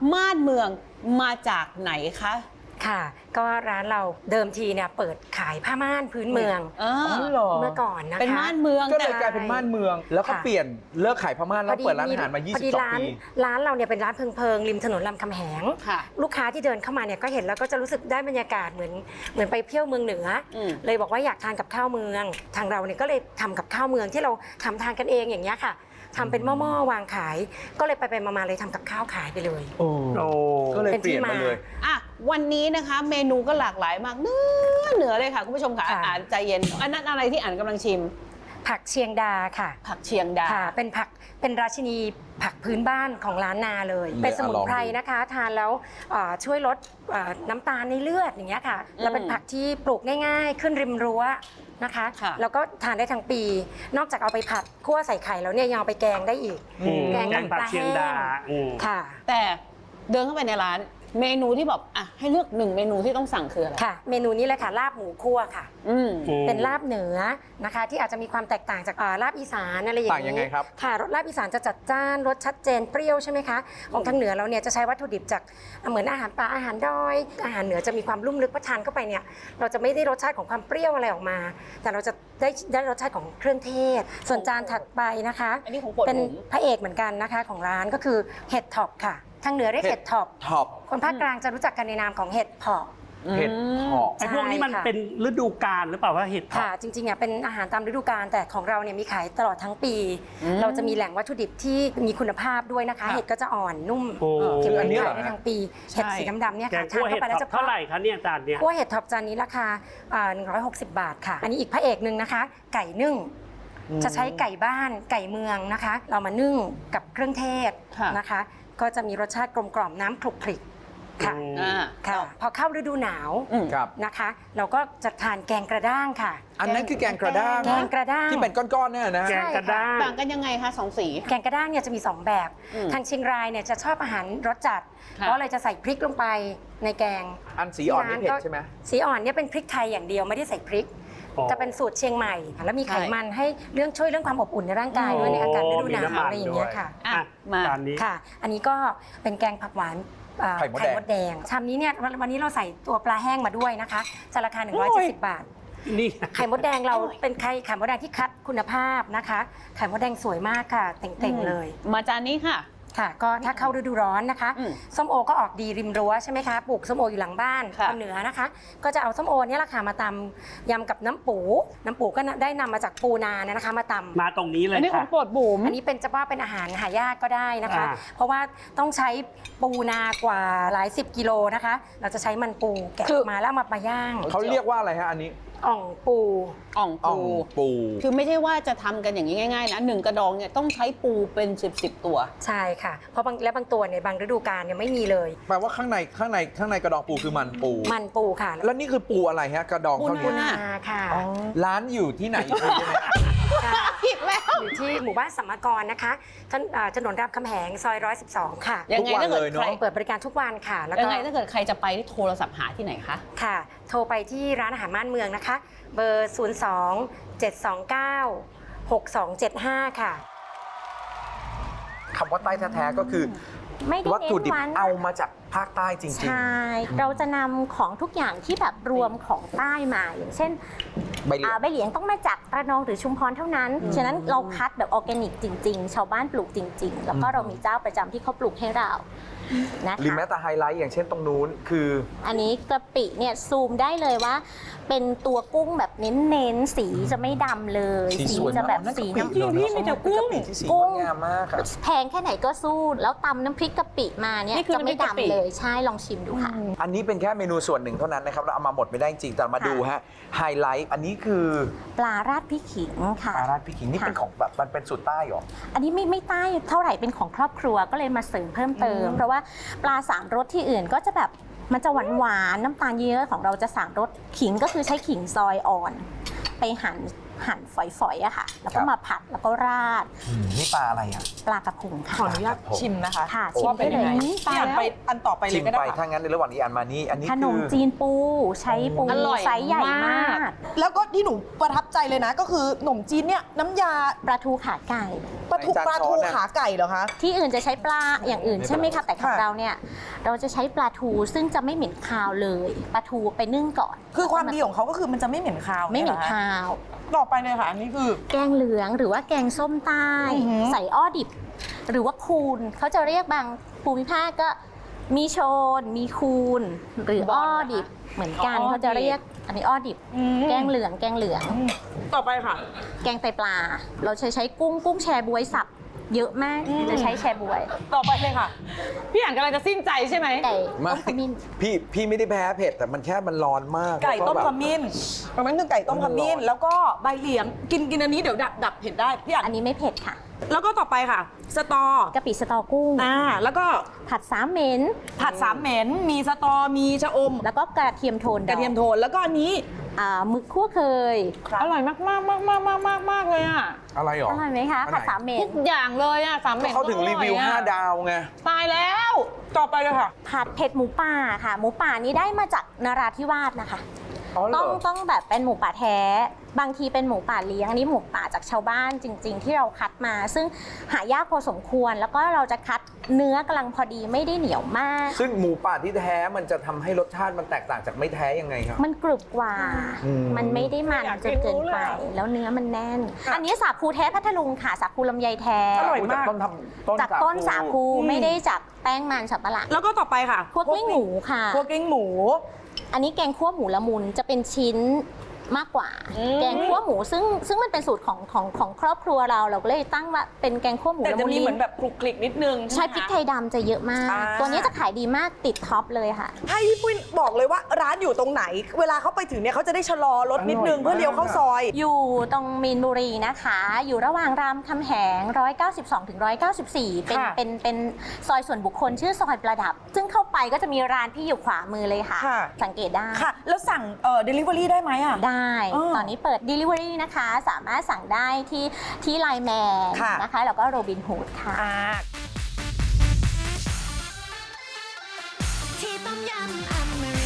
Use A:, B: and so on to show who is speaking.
A: ม่านเมืองมาจากไหนคะ
B: ค่ะก็ร้านเราเดิมทีเนี่ยเปิดขายผ้าม่านพื้นเมืองเมื่อก่อนนะคะ
A: เป็นม่านเมือง
C: ก็เลยกลายเป็นม่านเมืองแล้วก็เปลี่ยนเลิกขายผ้าม่านแล้วเปิดร้านอาหารมา22 ปี
B: ร้านเราเนี่ยเป็นร้านเพิงริมถนนรามคำแหงลูกค้าที่เดินเข้ามาเนี่ยก็เห็นแล้วก็จะรู้สึกได้บรรยากาศเหมือนไปเที่ยวเมืองเหนือเลยบอกว่าอยากทานกับข้าวเมืองทางเราเนี่ยก็เลยทำกับข้าวเมืองที่เราทำทานกันเองอย่างเงี้ยค่ะทำเป็นหม้อวางขายก็เลยไปมาเลยทำกับข้าวขายไปเลย
C: ก็เลยเปลี่ยนมาเลย
A: วันนี้นะคะเมนูก็หลากหลายมากเหนือเลยค่ะคุณผู้ชมค่ะอ่านใจเย็นอันนั้นอะไรที่อ่านกำลังชิม
B: ผักเชียงดาค่ะ
A: ผักเชียงดา
B: เป็นราชินีผักพื้นบ้านของร้านนาเลยเป็นสมุนไพรนะคะทานแล้วช่วยลดน้ำตาลในเลือดอย่างเงี้ยค่ะแล้วเป็นผักที่ปลูกง่ายๆขึ้นริมรั้วนะคะแล้วก็ทานได้ทั้งปีนอกจากเอาไปผัดคั่วใส่ไข่แล้วเนี่ยยังเอาไปแกงได้อีก
D: แกงปลาแห้ง
B: ค่ะ
A: แต่เดินเข้าไปในร้านเมนูที่แบบให้เลือก1เมนูที่ต้องสั่งคืออะไร
B: ค่ะเมนูนี้เลยค่ะลาบหมูคั่วค่ะเป็นลาบเหนือนะคะที่อาจจะมีความแตกต่างจากลาบอีสานอะไรอย่างนี้
C: ต่างยังไงครับ
B: ค่ะรสลาบอีสานจะจัดจ้านรสชัดเจนเปรี้ยวใช่ไหมคะของทางเหนือเราเนี่ยจะใช้วัตถุดิบจากเหมือนอาหารป่าอาหารดอยอาหารเหนือจะมีความลุ่มลึกพอทานเข้าไปเนี่ยเราจะไม่ได้รสชาติของความเปรี้ยวอะไรออกมาแต่เราจะได้รสชาติของเครื่องเทศส่วนจานถัดไปนะคะเป็นพระเอกเหมือนกันนะคะของร้านก็คือเห็ดท็อปค่ะทางเหนือเรียกเห็ดท็อปคนภาคกลางจะรู้จักกันในนามของเห็ดเผาะ
C: เห็ดเผาะ
D: ไอ้พวกนี้มันเป็นฤดูกาลหรือเปล่าว่าเห็ด
B: ค่ะจริงๆเป็นอาหารตามฤดูกาลแต่ของเราเนี่ยมีขายตลอดทั้งปีเราจะมีแหล่งวัตถุดิบที่มีคุณภาพด้วยนะคะเห็ดก็จะอ่อนนุ่มเก็บไว้ขายได้ทั้งปีเห็ดสีดำๆเนี่ยค่ะ
D: ทานเข้าไปแล้วจะเท่าไหร่คะเนี่ยจานเนี่ย
B: คั่วเห็ดท็อปจานนี้ราคา160 บาทค่ะอันนี้อีกพระเอกนึงนะคะไก่นึ่งจะใช้ไก่บ้านไก่เมืองนะคะเรามานึ่งกับเครื่องเทศนะคะก็จะมีรสชาติกลมกล่อมน้ำคลุกคลิกค่ะพอเข้าฤดูหนาวนะคะเราก็จะทานแกงกระด้างค่ะ
C: อันนั้นคือแกงกระด้างที่เป็นก้อนๆเนี่ยนะ
D: แกงกระด้าง
A: ต่างกันยังไงคะ2สี
B: แกงกระด้างเนี่ยจะมี2แบบทางเชียงรายเนี่ยจะชอบอาหารรสจัดเพราะเลยจะใส่พริกลงไปในแกง
C: อันสีอ่อนนี่เผ็ดใช่ไหม
B: สีอ่อนเนี่ยเป็นพริกไทยอย่างเดียวไม่ได้ใส่พริกจะเป็นสูตรเชียงใหม่แล้วมีไขมันให้ช่วยเรื่องความอบอุ่นในร่างกายด้วยในอากาศฤดูหนาวอะไรอย่างเงี้ยค่ะ
D: มาจานนี้
B: ค่ะอันนี้ก็เป็นแกงผักหวานไข่มดแดงชามนี้เนี่ยวันนี้เราใส่ตัวปลาแห้งมาด้วยนะคะจะราคา170 บาท
D: นี่
B: ไข่มดแดงเราเป็นไข่มดแดงที่คัดคุณภาพนะคะไข่มดแดงสวยมากค่ะเต่งๆเลย
A: มาจานนี้ค่ะ
B: ค่ะก็ถ้าเข้าฤดูร้อนนะคะส้มโอก็ออกดีริมรั้วใช่ไหมคะปลูกส้มโออยู่หลังบ้านทางเหนือนะคะก็จะเอาส้มโอเนี่ยแหละค่ะมาตำยำกับน้ำปูก็ได้นำมาจากปูนานะคะมาตำ
D: มาตรงนี้เลย
A: อันนี้ของโปรดบุ๋ม
B: อันนี้เป็นจะว่าเป็นอาหารหายากก็ได้นะคะเพราะว่าต้องใช้ปูนากว่าหลาย10 กิโลนะคะเราจะใช้มันปูแกะมาแล้วมาย่าง
C: เขาเรียกว่าอะไรฮะอันนี้
B: อ่องปู
A: คือไม่ใช่ว่าจะทำกันอย่างนี้ง่ายๆนะ1กระดองเนี่ยต้องใช้ปูเป็น10ตัว
B: ใช่ค่ะเพราะบางตัวเนี่ยบางฤดูกาลเนี่ยไม่มีเลย
C: แปลว่าข้างในกระดองปูคือมันปู
B: ค่ะ
C: แล้วนี่คือปูอะไรฮะกระดองเท่านี้
B: ค่ะ
C: ร้านอยู่ที่ไหน
A: ผิดแล้ว
B: อยู่ที่หมู่บ้านสัมมกรนะคะถนนรามคำแหงซอย112ค่ะ
A: ยังไงถ้าเกิดใคร
B: เปิดบริการทุกวันค่ะ
A: แล้วยังไงถ้าเกิดใครจะไปที่โทรศัพท์หาที่ไหนคะ
B: ค่ะโทรไปที่ร้านอาหารม่านเมืองนะคะเบอร์02-729-6275ค่ะ
C: คำว่าใต้แท้ๆก็คือวัตถุดิบเอามาจากภาคใต้จริงๆ
E: ใช่เราจะนำของทุกอย่างที่แบบรวมของใต้มาอย่างเช่นใบเหลียงต้องมาจากระนองหรือชุมพรเท่านั้นฉะนั้นเราคัดแบบออร์แกนิกจริงๆชาวบ้านปลูกจริงๆแล้วก็เรามีเจ้าประจำที่เขาปลูกให้เรานะคะ
C: หรือแม้แต่ไฮไลท์อย่างเช่นตรงนู้นคือ
E: อันนี้กะปิเนี่ยซูมได้เลยว่าเป็นตัวกุ้งแบบเน้นๆสีจะไม่ดำเลยสีจะแบบสีน้ำ
C: จริงพี่มีแต่กุ้งงามมาก
E: แพงแค่ไหนก็สู้แล้วตำน้ำพริกกะปิมาเนี่ยจะไม่ดำเลยใช่ลองชิมดูค่ะ
C: อันนี้เป็นแค่เมนูส่วนหนึ่งเท่านั้นนะครับเราเอามาหมดไม่ได้จริงแต่มาดูฮะไฮไลท์อันนี้คือ
E: ปลาราดพริกขิงค่ะ
C: ปลาราดพริกขิงนี่เป็นของแบบมันเป็นสูตรใต้หรอ
E: อันนี้ไม่ใต้เท่าไหร่เป็นของครอบครัวก็เลยมาเสริมเพิ่มเติมเพราะว่าปลา3 รสที่อื่นก็จะแบบมันจะหวานน้ำตาลเยอะของเราจะ3 รสขิงก็คือใช้ขิงซอยอ่อนไปหั่นหั่นฝอยๆอะค่ะ แล้วก็มาผัดแล้วก็ราด
C: นี่ปลาอะไรอ่ะ
E: ปลากระพงค่ะ
F: ขออนุญาตชิมนะคะ
E: ค่ะ
F: ว่าเป็นยังไง
E: ชิมได้เลย
F: พี่อันไปอันต่อไปเล
C: ชิ
F: ย
C: ม
F: ก็
C: ไป
F: ได้
C: ถ้างั้นในระหว่างนี้อันมานี่อันนี้
E: ขนม
C: คือ
E: จีนปูใช้ปู
A: อร่อย
E: ไซส์ใหญ่มาก
F: แล้วก็ที่หนูประทับใจเลยนะ ก็คือขนมจีนเนี่ยน้ำยา
E: ปลาทูขาไก่
F: ปลาทูขาไก่เหรอคะ
E: ที่อื่นจะใช้ปลาอย่างอื่นใช่ไหมคะแต่ของ
F: ค่ะ
E: เราเนี่ยเราจะใช้ปลาทูซึ่งจะไม่เหม็นคาวเลยปลาทูไปนึ่งก่อน
F: คือความดีของเขาก็คือมันจะไม่เหม็นคาว
E: ไม่เหม็น
F: ยรอคะ
E: คาว
F: ต่อไปเลยค่ะ อันนี้คือ
E: แกงเหลืองหรือว่าแกงส้มใต้
F: อือหือ
E: ใส่อ้อดิบ หรือว่าคูนเขาจะเรียกบางภูมิภาคก็มีโชน มีคูน หรืออ้อดิบเหมือนกันเขาจะเรียกอันนี้อ้อดิบ แกงเหลืองแกงเหลือง
F: ต่อไปค่ะ
E: แกงไตปลา เราใช้กุ้งแชบวยสับเยอะมากจะใช้แชบวย
F: ต่อไปเลยค่ะ
A: พี่อ่านกำลังจะสิ้นใจใช่ไหม
E: ไก่
C: ไม่
E: ต้มขมิ้น
C: พี่ไม่ได้แพ้เผ็ดแต่มันแค่มันร้อนมาก
F: ไก่ต้ม
C: แล้ว
F: ข
C: ก็แบบ
F: มิ้นอันนั้นคือไก่ต้มขมิ้น แล้วก็ใบเหลียงกินอันนี้เดี๋ยวดับเผ็ดได้พี่อั
E: อั
F: น
E: นนี้ไม่เผ็ดค่ะ
F: แล้วก็ต่อไปค่ะ สตอก
E: ะปิสตอกุ้ง
F: แล้วก็
E: ผัดสามเหม็น
F: ผัดสามเหม็นมีสตอมีชะอม
E: แล้วก็กระเทียมโทนด
F: ก
E: อง
F: ระเทียมโทนแล้วก็อันนี้
E: หมึกคั่วเคย
A: อร่อยมากมากมากมากมากมากมากเลยอ่ะ
C: อะไรหรอ
E: อร่อยไหมคะ
C: อันไหน
E: ผัดสามเหม็
A: ทุ
E: น
A: กอย่างเลยอ่ะสาม
C: ก็
A: เม็ด
C: เขาถึงรีวิว 5 ดาวไง
A: ตายแล้ว
F: ต่อไปเลยค่ะ
E: ผัดเผ็ดหมูป่าค่ะ หมูป่านี้ได้มาจากนราธิวาสนะคะ
C: อ๋อเหรอ
E: ต้องแบบเป็นหมูป่าแท้ บางทีเป็นหมูป่าเลี้ยงอันนี้หมูป่าจากชาวบ้านจริง ๆ ที่เราคัดมา ซึ่งหายากพอสมควร แล้วก็เราจะคัดเนื้อกำลังพอดีไม่ได้เหนียวมาก
C: ซึ่งหมูป่าที่แท้มันจะทำให้รสชาติมันแตกต่างจากไม่แท้ยังไงครับ
E: มันกรุบกว่า
C: อืม
E: มันไม่ได้มัน
A: อยาก
E: จนเกินไป
A: รู้เลย
E: แล้วเนื้อมันแน่น อันนี้สาคูแท้พัทลุงค่ะ สาคูลำไยแท้
F: อร่อยมาก
E: จากต้นสาคูไม่ได้จากแป้งมันสับปะหลัง
F: แล้วก็ต่อไปค่ะ
E: คั่วกลิ้งหมูค่ะ
F: คั่วกลิ้งหมู
E: อันนี้แกงคั่วหมูละมุนจะเป็นชิ้นมากกว่า แกงคั่วหมูซึ่งมันเป็นสูตรของครอบครัวเราก็เลยตั้งว่าเป็นแกงคั่วหมู
F: แต่
E: ละ
F: จะ
E: มุน
F: มีเหมือนแบบคลุกคลิกนิดนึง
E: ใช้
F: ไหม
E: พริก
F: คะ
E: ไทยดำจะเยอะมาก
F: อ่า
E: ตัวนี้จะขายดีมากติดท็อปเลยค่ะ
F: ให้พี่ปุ้ยบอกเลยว่าร้านอยู่ตรงไหน เวลาเขาไปถึงเนี่ยเขาจะได้ชะลอรถนิดนึงเพื่อเลี้ยวเข้าซอย
E: อยู่ตรงมีนบุรีนะคะ อยู่ระหว่างรามคำแหง 192 ถึง 194
F: ค่ะ
E: เป็นซอยส่วนบุคคลชื่อซอยประดับ ซึ่งเข้าไปก็จะมีร้านพี่อยู่ขวามือเลยค่ะ
F: ค่ะ
E: สังเกตได้
F: ค่ะ แล้วสั่งdelivery ได้ไหมอ่ะ
E: ได้
F: อ๋อ
E: ตอนนี้เปิด Delivery นะคะ สามารถสั่งได้ที่ไลน์แมน
F: ค่ะ
E: นะคะ แล้วก็โรบินฮูดค่ะ
G: ที่ต้มยำอเมริ